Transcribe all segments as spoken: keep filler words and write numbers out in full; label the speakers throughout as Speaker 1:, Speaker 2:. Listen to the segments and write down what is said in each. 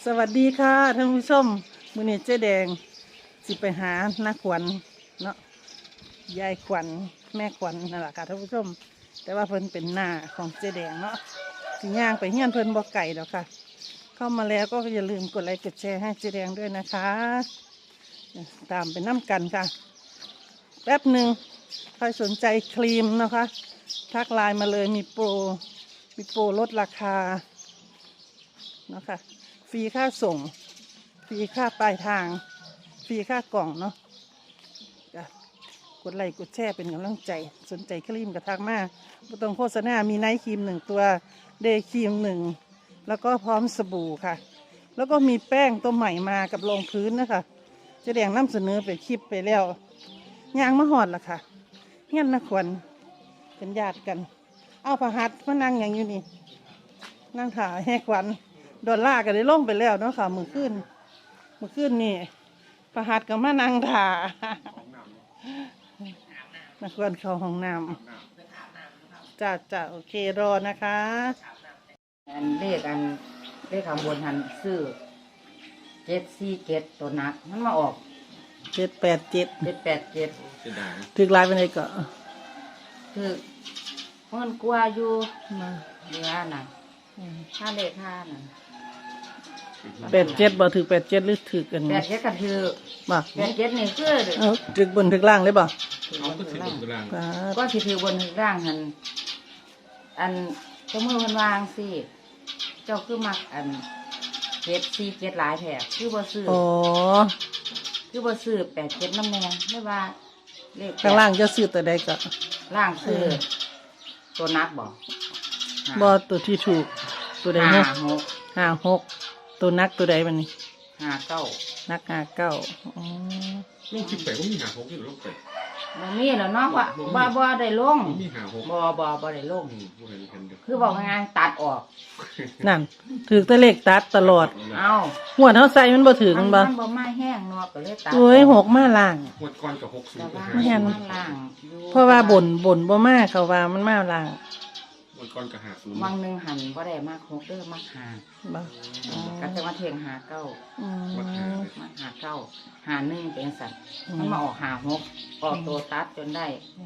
Speaker 1: สวัสดีค่ะท่านผู้ชมมื้อนี้เจ๊แดงสิไปหาน้าขวัญเนาะยายขวัญแม่ขวัญนั่นแหละค่ะท่านผู้ชมแต่ว่าเพิ่นเป็นหน้าของเจ๊แดงเนาะสิย่างไปเฮียนเพิ่นบ่ไก่ดอกค่ะเข้ามาแล้วก็อย่าลืมกดไลค์กดแชร์ให้เจ๊แดงด้วยนะคะตามไปน้ำกันค่ะแป๊บหนึ่งใครสนใจครีมนะคะทักไลน์มาเลยมีโปรมีโปรลดราคาเนาะค่ะฟรีค่าส่งฟรีค่าปลายทางฟรีค่ากล่องเนาะกดไลค์กดแชร์เป็นกำลังใจสนใจครีมกระทักมาไม่ต้องโฆษณามีไนท์ครีมหนึ่งตัวเดย์ครีมหนึ่งแล้วก็พร้อมสบู่ค่ะแล้วก็มีแป้งตัวใหม่มากับรองพื้นนะคะเจ๊แดงนำเสนอไปคลิปไปแล้วยางมะหอดล่ะค่ะเฮียนนักขวัญเป็นญาติกันเอาพระหัตถ์มานั่งอย่างอยู่นี่นั่งถ่ายให้ขวัญดอลลาร์ก็ได้ลงไปแล้วเนาะค่ะมือขึ้นมือขึ้นนี่ประหัดกับมานั่งถ่านักวนเข้าห้องน้ำจ้าจ้าโอเครอนะคะ
Speaker 2: อันเลขอันเลขข้างบนหันซื้อเจ็ดสี่เจ็ดตัวนักมันมาออก
Speaker 1: เจ็ดแปดเจ็ด
Speaker 2: เจ็ดแปดเจ็ด
Speaker 1: ถึกลายไปไหนก็
Speaker 2: คือเงินกลัวอยู่มาเรือน่ะค่าเลขค่าน่ะ
Speaker 1: แปดเจ็ดบ่ถึกแปดเจ็ดหรือถึกกัน
Speaker 2: แปดเจ็ดกันคือ
Speaker 1: บ่
Speaker 2: แปดเจ็ดนี่คือ
Speaker 1: เอาถึกบนถึกล่างเลยบ่
Speaker 2: เอาก็ถึกบนถึกล่างก็สิถือบนถึกล่างหันอันเจ้ามือมันวางสิเจ้าคือมักอันเจ็ดสี่เจ็ดหลายแถบคือบ่ซื้อ
Speaker 1: อ๋อ
Speaker 2: คือบ่ซื้อแปดเจ็ดน้ำแน่ไม่ว่าเลข
Speaker 1: ข้างล่างจะซื้อตัวใดก็
Speaker 2: ล่างซื้อตัวนักบ่
Speaker 1: บ่ตัวที่ถูกตัวใดเนี่ยห้าหกห้าหกตัวนักตัวใดมันนี่
Speaker 2: ห้าเก้า
Speaker 1: นักห้าเก้าอ๋อ
Speaker 3: ลงสิบแปดก็มีห้าหกอยู่ลงไป
Speaker 2: มันมีแล้วเนาะว่าบ่บ่ได้ลง
Speaker 3: มีห้าหก
Speaker 2: บ่บ่บ่ได้ลงคือบอกง่ายๆตัดออก
Speaker 1: นั่นถือแต่เลขตัดตลอด
Speaker 2: เอา
Speaker 1: หัวเท้าใส่มันบ่ถือมันบ่
Speaker 2: มันบ่มาแห้งเนาะก็เลยตัด
Speaker 1: โอ้ยหกมาล่าง
Speaker 3: หัวก้อนกับหกสูง
Speaker 2: มาล่าง
Speaker 1: เพราะว่าบ่นบ่นบ่มาเขาว่ามันมาล่าง
Speaker 3: หัวก้อนกับหาศูนย์
Speaker 2: วังนึงหันบ่ได้มากหกเด้อมากหา
Speaker 1: บ่
Speaker 2: ก็จะมาเถียงหาเก้า
Speaker 1: อืม
Speaker 2: มาหาเก้าหาหนึ่งเป็นสัตว์มันมาออกหาหกออกตัวตัดจนได้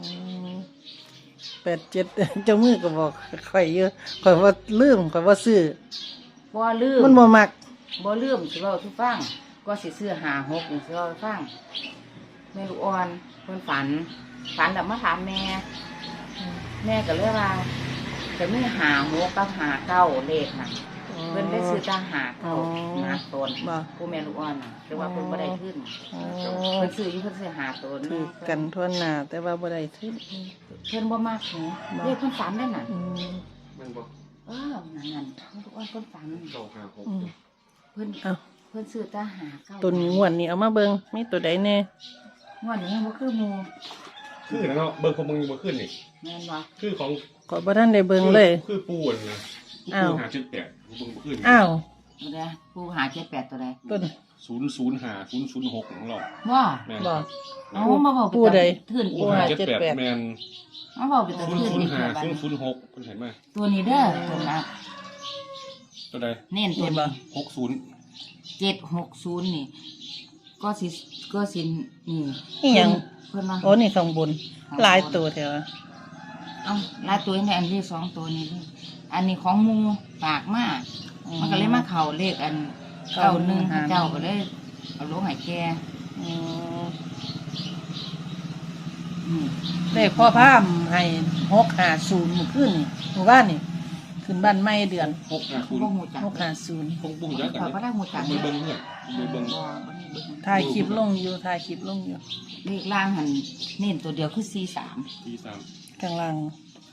Speaker 1: แปดเจ็ดเจ้ามือก็บอกข่อยเยอะข่อยว่าลืมข่อยว่าซื้อ
Speaker 2: บ่ลืม
Speaker 1: มันบ่มัก
Speaker 2: บ่ลืมสิเว้าทุกฟังก็สิซื้อหาหกนี่สิเว้าฟังแม่ลูกอ่อนเพิ่นฝันฝันแล้วมาถามแม่แม่ก็เลยว่าจะมีหาหกกับหาเก้าเลขน่ะเพิ่นได้ซื้อตาหาเก้าหาตนผู้แม่ลูกอ่อนน่ะแต่ว่าเพิ่นบ่ได้ขึ้นเพิ่นซื้ออยู่เพิ่นซื้อหาตน
Speaker 1: คือกันทั่วหน้าแต่ว่าบ่ได้ขึ้น
Speaker 2: เพิ่นบ่มากหูเลขเพิ่นฝันได้น่ะ
Speaker 3: มันบ่
Speaker 2: เออนั่นนั่นลูกอ่อนเพิ่นฝัน
Speaker 3: เก้าห้าหก
Speaker 2: เพิ่นเพิ่นซื้อตาหาเก้า
Speaker 1: ตัวนี้งวดนี้เอามาเบิ่งมีตัวใดแน่
Speaker 2: งวดนี้บ่คือหมู่
Speaker 3: คือแล้วเนาะเบิ่งของมึงบ่ขึ้นนี่
Speaker 2: แม่นบ่
Speaker 3: คือของ
Speaker 1: ก็บ่ทันได้เบิ่งเลย
Speaker 3: คือปูนนะ
Speaker 1: อ้าว
Speaker 3: หาเจ็ดแปดเบิ่งบ่ขึ้น
Speaker 1: อ้าว
Speaker 2: ตัวใดปูหาเจ็ดแปดตัวใด
Speaker 1: ต้น
Speaker 3: ศูนย์ศูนย์ห้าศูนย์ศูนย์หกของเรา
Speaker 2: บ่
Speaker 1: บ่
Speaker 2: เอ้ามาบอก
Speaker 1: ปูใด
Speaker 2: ทื่นอีก
Speaker 3: หาเจ็ดแปดแม่น
Speaker 2: เอาบอกเป็นตัวทื่นอีก
Speaker 3: ศูนย์ศูนย์ห้าศูนย์ศูนย์หกเพิ่นเห็นมั้ย
Speaker 2: ตัวนี้เด้อตัวนัก
Speaker 3: ตัวใด
Speaker 2: เน้นตัวบ่
Speaker 3: หกศูนย์
Speaker 2: เจ็ดหกศูนย์นี่ก็สิก็สินี่
Speaker 1: อีหยัง
Speaker 2: เพิ่นว่า
Speaker 1: โอ้นี่ข้างบนหลายตัวแท้ว่า
Speaker 2: เอ้าหลายตัวนี่อันนี้สองตัวนี้อันนี้ของหมู่ฝากมามันก็เลยมาเข้าเลขอันเก้าหนึ่งเจ้าก็เลยเอาลงให้แก
Speaker 1: อืออืมเลขพ่อพามให้หกห้าศูนย์มื้อคืนนี่เมื่อวานนี่ขึ้นบ้านใหม่เดือน
Speaker 3: หกห้าศูนย์
Speaker 1: หกห้าศูนย์
Speaker 3: คงบุ้งจักกัน
Speaker 2: บ่ได้ฮู้จัก
Speaker 3: เบิ่งเบิ่งเพิ่นเบิ่ง
Speaker 1: ถ่ายคลิปลงอยู่ถ่ายคลิปลงอยู่
Speaker 2: เลขล่างหันเน้นตัวเดียวคือสี่สาม
Speaker 3: สี่สาม
Speaker 1: ข้างล่าง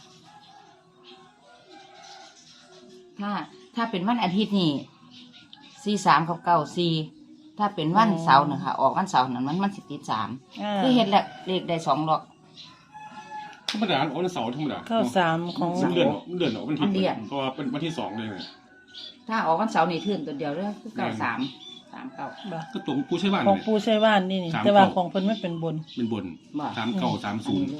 Speaker 2: ถ้าถ้าเป็นวันอาทิตย์นี่สี่สามกับเก้าสี่ถ้าเป็นวันเสาร์นะคะออกวันเสาร์นั้นมันมันสิติดสามคือเห็นแหละเลขได้สองดอก
Speaker 3: ธรรมดาวันเสาร์ธรรมดา
Speaker 1: เข้าสามของ
Speaker 3: เดือนเดือนออกวันที่เพราะว่าเป็นวันที่สองเลย
Speaker 2: ถ้าออกวันเสาร์นี่ทื่นตัวเดียวเลยคือเก้าสามสามเก้า
Speaker 3: ก็ตัวปูใช้บ้าน
Speaker 1: ของปูใช้บ้านนี่นี่แต่ว่าของเพิ่นไม่เป็นบน
Speaker 3: เป็นบนสามเก้าสามศูนย์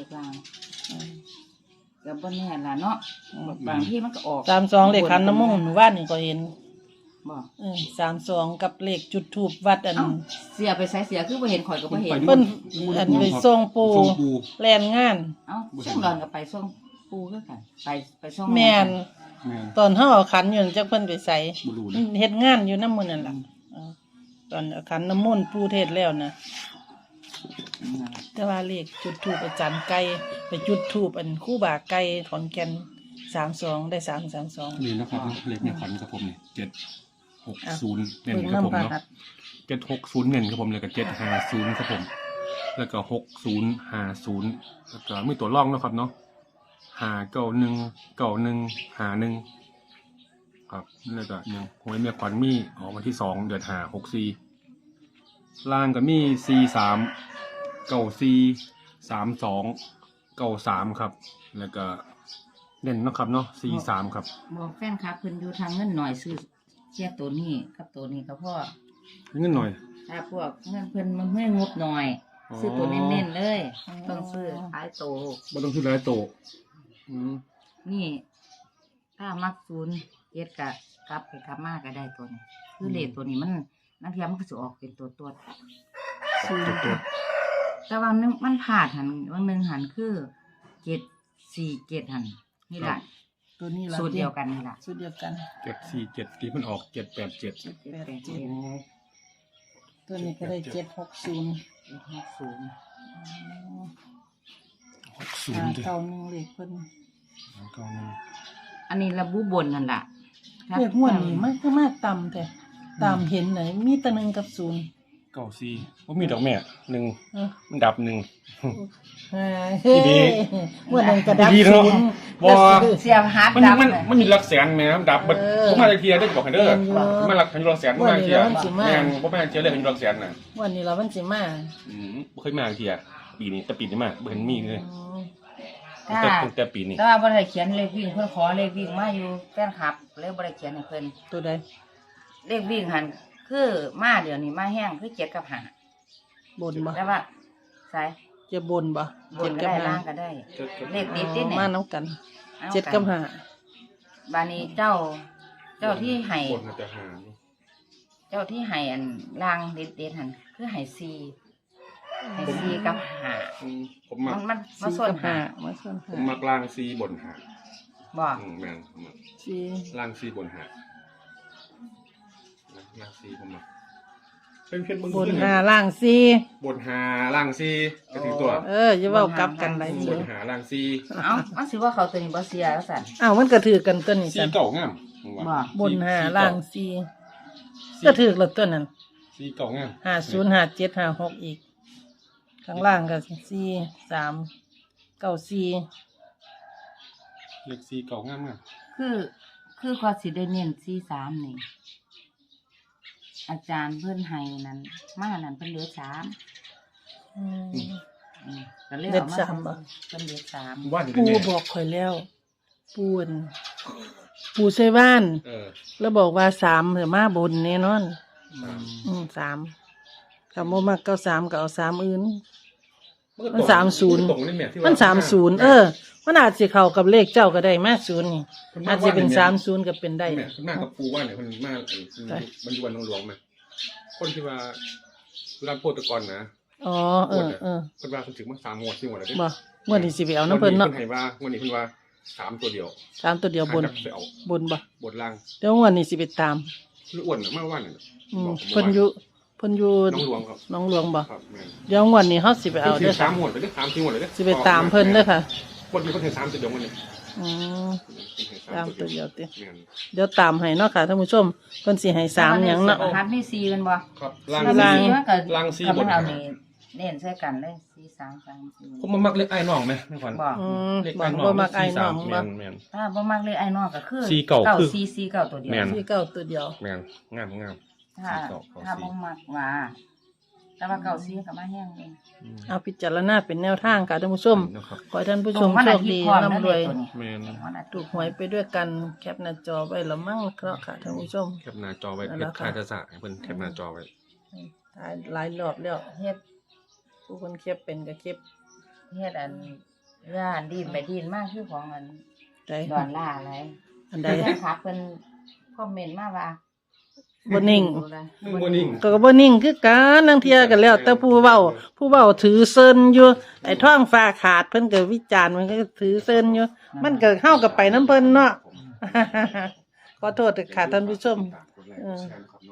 Speaker 2: ก็บ่แน่ล่ะเนาะบางที่มันก็ออก
Speaker 1: สามสองเลขคันน้ำมงหมู่บ้านนี่ก็เห็น
Speaker 2: บ่
Speaker 1: เออสามสองกับเลขจุดทูบวัดอัน
Speaker 2: เอ้าเสียไปใส่เสียคือบ่เห็นข่อยก็บ่เห็น
Speaker 1: เพิ่นอันไปส่งปู
Speaker 3: ส่งปู
Speaker 1: แลนงาน
Speaker 2: เอ้าช่วงดอนก็ไปส่งปูคือกันไปไปส่ง
Speaker 1: แม่น
Speaker 3: แม่น
Speaker 1: ตอนเฮาเอาขันอยู่นั่นจักเพิ่นไปใส่
Speaker 3: บ่รู้นะ
Speaker 1: เฮ็ดงานอยู่นำมื้อนั่นล่ะเออตอนเอาขันน้ำมนต์ปูเทศแล้วนะแต่ว่าเลขจุดทูปอาจารย์ไก่ไปจุดทูปอันครู่บาไก่ขอนแก่นสามสองได้สามสามสอง
Speaker 3: นี่นะครับเลขในขวัญกับผมเนี่ยเจ็ดหก
Speaker 1: อ่ะ
Speaker 3: ศูนย์เน้น
Speaker 1: เบิ่ง
Speaker 3: ครับผม
Speaker 1: น้ำพระ
Speaker 3: เนาะ
Speaker 1: หัตถ์
Speaker 3: เจ็ดหกศูนย์เน้นครับผมเลยกับเจ็ดห้าศูนย์ครับผม แล้วก็หกศูนย์ห้าศูนย์แล้วก็มีตัวร่องเนาะครับเนาะห้าเก้าหนึ่งเก้าหนึ่งห้าหนึ่งครับแล้วก็หนึ่งหวยเมียขวัญมีออกวันที่สองเดือนห้าหกสี่ล่างก็มีสี่สามเก้าสี่สามสองเก้าสามครับ แล้วก็เด่นเนาะครับเนาะสี่สามครับ
Speaker 2: บอกแฟนคลับเพิ่นอยู่ทางเงินหน่อยซื้อเชียตัวนี้กับตัวนี้ก็พอ
Speaker 3: เงินหน่อย
Speaker 2: ถ้าพวกเงินเพิ่นมันไม่งบหน่อย
Speaker 3: อ๋อ
Speaker 2: ซื้อตัวเน้นๆเลยต้องซื้อขายโต
Speaker 3: ไม่ต้องซื้อหลายโตะอืม
Speaker 2: นี่ ถ้ามักศูนย์เจ็ดกะกลับไปกลับมาก็ได้ตัวนี้คือเลขตัวนี้มันนักเรียนมันก็จะออกเป็นตัวตัว
Speaker 3: ตัวตัว
Speaker 2: แต่ว่านึงมันผ่าดหันวันหนึ่งหันคือเจ็ดสี่เจ็ดหันนี่แหละ
Speaker 1: ตัวนี้ล่ะ
Speaker 2: สูตรเดียวกันนี่แหละ
Speaker 1: สูตรเดียวกัน
Speaker 3: เจ็ดสี่เจ็ดที่มันออกเจ็ดแปดเจ็ด
Speaker 2: เจ็ด
Speaker 1: แปด
Speaker 2: แปด
Speaker 1: เจ็
Speaker 2: เจ็
Speaker 1: ด
Speaker 2: ด
Speaker 1: ตัวนี้ก็ได้เจ็ดหกศูนย์
Speaker 2: เจ็ดห้าศูนย์
Speaker 3: หกศูน
Speaker 1: หา
Speaker 3: ย์ดิ
Speaker 1: เก้าหนึ่งเลขเพิ่น
Speaker 3: เก้าหนึ่ง
Speaker 2: อันนี้ระบุบนนั่นแหละ
Speaker 1: เลขงวดนี้มันก็มากต่ำแต่ตามเห็นไหนมีแตะหนึ่งกับศูนย์
Speaker 3: เก้าสี่ว่ามีดอกแม่หนึ่ง
Speaker 1: เออ
Speaker 3: มันดับหนึ่ง
Speaker 1: อ่าเฮ้
Speaker 3: ดี
Speaker 1: งวดนั้นก็ดับ
Speaker 3: ดีเน
Speaker 1: ศู
Speaker 3: อะ
Speaker 1: นย์
Speaker 3: บ่
Speaker 2: เสียบฮาร์ด
Speaker 3: มัน
Speaker 2: ดับ
Speaker 3: มัน
Speaker 2: เลย
Speaker 3: มันมีหลักแสนแม่มันดับมัน
Speaker 1: เออ
Speaker 3: ผมมาจากเทียได้บอกให้เด้อ
Speaker 1: เรียนอยู่
Speaker 3: ผมมาหลักให้หลักแสนผมมาจากเทีย
Speaker 1: วันนี้เรามันสิมา
Speaker 3: แม่นผมมาจากเทียเลยให้หลักแสนน่ะ
Speaker 1: งวันนี้เรามันสิมา
Speaker 3: อืมบ่เคยมาจากเทียปีนี้แต่ปีนี้มาบ่เห็นมีเลย
Speaker 1: อืม
Speaker 3: ตั้งแต่ตั้งแต่ปีนี้
Speaker 2: แต่ว่าบ่ได้เขียนเลขวิ่งเพิ่นขอเลขวิ่งมาอยู่แฟนคลับเลยบ่ได้เขียนให้เพิ่น
Speaker 1: ตัวใด
Speaker 2: เลขวิ่งหันคือมาเดี๋ยวนี้มาแห้งคือเจ็ดกับห้า
Speaker 1: บนบ่
Speaker 2: แต่ว่าสาย
Speaker 1: จะบนบ่
Speaker 2: บนก็ได้ล่างก็ได้ เลขติดติด
Speaker 1: อ๋อ
Speaker 2: เนี่ย
Speaker 1: มาน้ำกัน
Speaker 2: อา
Speaker 1: เจ็ดกับห้า
Speaker 2: บานี้เจ้า เจ้าที่ให้
Speaker 3: บนน่าจะหานี่
Speaker 2: เจ้าที่ให้อันล่างเด็ดเด็ดหันคือให้ซีให้ซีกับห้า
Speaker 3: อืมผมมั
Speaker 2: มั
Speaker 3: ก
Speaker 2: นมันมา
Speaker 1: สี่
Speaker 2: ส่วน
Speaker 1: กับห้า
Speaker 2: ห้า
Speaker 1: มาส่วน
Speaker 3: ผ
Speaker 1: ห้าม
Speaker 3: มักล่างซีบนหา
Speaker 2: บอก
Speaker 3: อืมแม่นผมมัก
Speaker 1: สี่
Speaker 3: ล่างซีบนหาล่างซีผมมักเป็นเพชร
Speaker 1: บนห้าล่างสี่
Speaker 3: บนหาล่างซีก็ถึงตัว
Speaker 1: เอออย่าเว้ากลับกันหลาย
Speaker 3: บ
Speaker 1: ที
Speaker 3: นหาล่างซี
Speaker 2: เอ้ามันสิว่าเขาตัวนี้บ่เสียแล้วสั่น
Speaker 1: อ้าวมันก็ถือกันตัวนี้
Speaker 3: ซี
Speaker 1: จ้ะ
Speaker 3: เก่างามผมว่า
Speaker 2: บอก
Speaker 1: บนห้าล่างสี่ก็ถือแล้วตัวนั้น
Speaker 3: ซีเก่างาม
Speaker 1: ห้าศูนย์ห้าเจ็ดห้าหกอีก ข้างล่างก็สี่สามเก้าสี่
Speaker 3: เลขซีเก่างามงาม
Speaker 2: คือคือเขาสิได้เน้นซีสามนี่อาจารย์เพิ่นให้นั้นมานั้นเพิ่นเหลือสาม
Speaker 1: อืม
Speaker 2: อืมก็เลย
Speaker 1: เด็
Speaker 2: เอา
Speaker 1: ด
Speaker 2: มา
Speaker 1: สามบ่
Speaker 2: เพิ่นเหลือสาม
Speaker 3: ว่าอยู่
Speaker 1: ปู
Speaker 3: แน่
Speaker 1: บอกข่อยแล้วปูนปูใส่บ้าน
Speaker 3: เออ
Speaker 1: แล้วบอกว่าสามเถอะมาบนแน่นอน
Speaker 3: สาม
Speaker 1: อืมสามกับโมมักเก้าสามก็เอาสามอื่น
Speaker 3: ก็
Speaker 1: มันสามศูนย์
Speaker 3: ตรงนี่แที่ว่
Speaker 1: มันสามศูนย์เออมันอาจจะเข้ากับเลขเจ้าก็ได้มาศูนย์นี่อาจจะเป็นสามศูนย์ก็เป็นได้
Speaker 3: แม่คุณมากกับปูว่าเนี่ยคนมากไอ้มันอยู่วันหลวงๆไหมคนที่ว่ารับโพธิกรนะ
Speaker 1: อ๋อเออเออ
Speaker 3: คนว่าคนถึงมาสามงวดที่งวดแล้ว
Speaker 1: บ่เมื่อนี้สิไปเอาน้ำเพิ่นเนาะ
Speaker 3: คนให้ว่าวันนี้เพิ่นว่าสามตัวเดียว
Speaker 1: สามตัวเดียวบน
Speaker 3: หาจัไปเอา
Speaker 1: บนบ่
Speaker 3: บทล่าง
Speaker 1: เดี๋ยววันนี้สิไปตาม
Speaker 3: คืออ้วนน่ะมากว่าเนี่ย
Speaker 1: อืม
Speaker 3: บอกผม
Speaker 1: เพิ่นอยู่เพิ่นอยู่
Speaker 3: น้องหลวงครับ
Speaker 1: หน้องหลวงบ่
Speaker 3: ครับแม่น
Speaker 1: เดี๋ยววันนี้เฮาสิไปเอา
Speaker 3: เพิ่น
Speaker 1: เด้
Speaker 3: ถึ
Speaker 1: อง
Speaker 3: สา
Speaker 1: ค่ะ
Speaker 3: มงวดเลยเด้อสามสี่งวดเลยเด้อ
Speaker 1: สิไปตามเพิ่นเด้อค่ะ
Speaker 3: คนนี้เพิ่นถึงสามตัวเดียววันนี้
Speaker 1: อืม ตามตัวเดียวติ
Speaker 3: แม่น
Speaker 1: เดี๋ยวตามให้เนาะค่ะท่านผู้ชมเพิ่นสิให้สามหยังเนาะ
Speaker 2: รหัสมีซีกันบ่
Speaker 3: ครับ
Speaker 2: ถ้า
Speaker 3: ล่าง
Speaker 2: มี
Speaker 3: ซี
Speaker 2: ซีมันก็
Speaker 3: ล่างซี
Speaker 2: ก็
Speaker 3: บ
Speaker 2: มัน นเอา
Speaker 3: หา
Speaker 2: นี่เน้นใส่กันเลยซีสามสามสี่
Speaker 3: ผมมามักเล็กไอ้น้องไหมแม่ขวัญ
Speaker 2: บอก
Speaker 1: อืม
Speaker 3: เล็ก
Speaker 1: บ่
Speaker 3: ไอ้น้อง
Speaker 1: บ่มักไอ้น้อง
Speaker 3: แม
Speaker 1: บ่
Speaker 3: นแมน
Speaker 2: ถ้าบ่มักเลยไอ้นอกก็คือ
Speaker 3: ซีเก่าคือ
Speaker 2: ซีซีเก่าตัวเดียว
Speaker 3: แม่น
Speaker 1: ที่เก้าตัวเดียว
Speaker 3: แมนงามงาม
Speaker 2: ถ้า
Speaker 3: ซีเก่าเก่า
Speaker 2: ถ้า
Speaker 3: ซี
Speaker 2: บ่มักว่า แต่ว่าเก่าซีก็มาแห้งเอง
Speaker 3: อืม
Speaker 1: เอาพิจารณาเป็นแนวทางค่ะท่านผู้ชม
Speaker 3: นะครับ
Speaker 1: ขอให้ท่านผู้
Speaker 2: ต
Speaker 1: ช
Speaker 2: รง
Speaker 1: ม
Speaker 2: วัน
Speaker 1: โช
Speaker 2: อา
Speaker 1: ค
Speaker 2: ทิต
Speaker 1: ดี
Speaker 2: ย์พร้อมนั่น
Speaker 1: ร่ำร
Speaker 2: เล
Speaker 1: วย
Speaker 2: ยตัวนี้
Speaker 3: แมน
Speaker 2: วันอาทิ
Speaker 1: ถู
Speaker 2: ต
Speaker 1: ก
Speaker 2: ย์
Speaker 1: หวยไปด้วยกันแคปหน้าจอไว้ละมั่งเคราะห์ค่ะท่านผู้ชม
Speaker 3: แคปหน้าจอไว้
Speaker 1: นั่น
Speaker 3: เพ
Speaker 1: แหละ
Speaker 3: ชร
Speaker 1: ค่ะ
Speaker 3: คาตาสะให้เพิ่นแคปหน้าจอไว้
Speaker 1: หลายหลายรอบแล้วเฮ็ดผู้คนเก็บเป็นก็เก็บ
Speaker 2: เฮ็ดอันย่านดินไปดินมากคือของอัน
Speaker 1: ได้
Speaker 2: ดอนล่าอะไร
Speaker 1: อันใด
Speaker 2: แฟนคลับเพิ่นคอมเมนต์มาว่า
Speaker 1: บ่นิ่ง
Speaker 3: บ่นิ่ง
Speaker 1: ก็บ่นิ่งคือกันนางเที่ยกันแล้ว แต่ผู้เว้า ผู้เว้าถือเซินอยู่ไอ้ท้องฟ้าขาดเพิ่นก็วิจารณ์มันก็ถือเซินอยู่ มันก็เฮากับไปน้ำเพิ่นเนาะ ขอโทษเถอะค่ะท่านผู้ชมเออ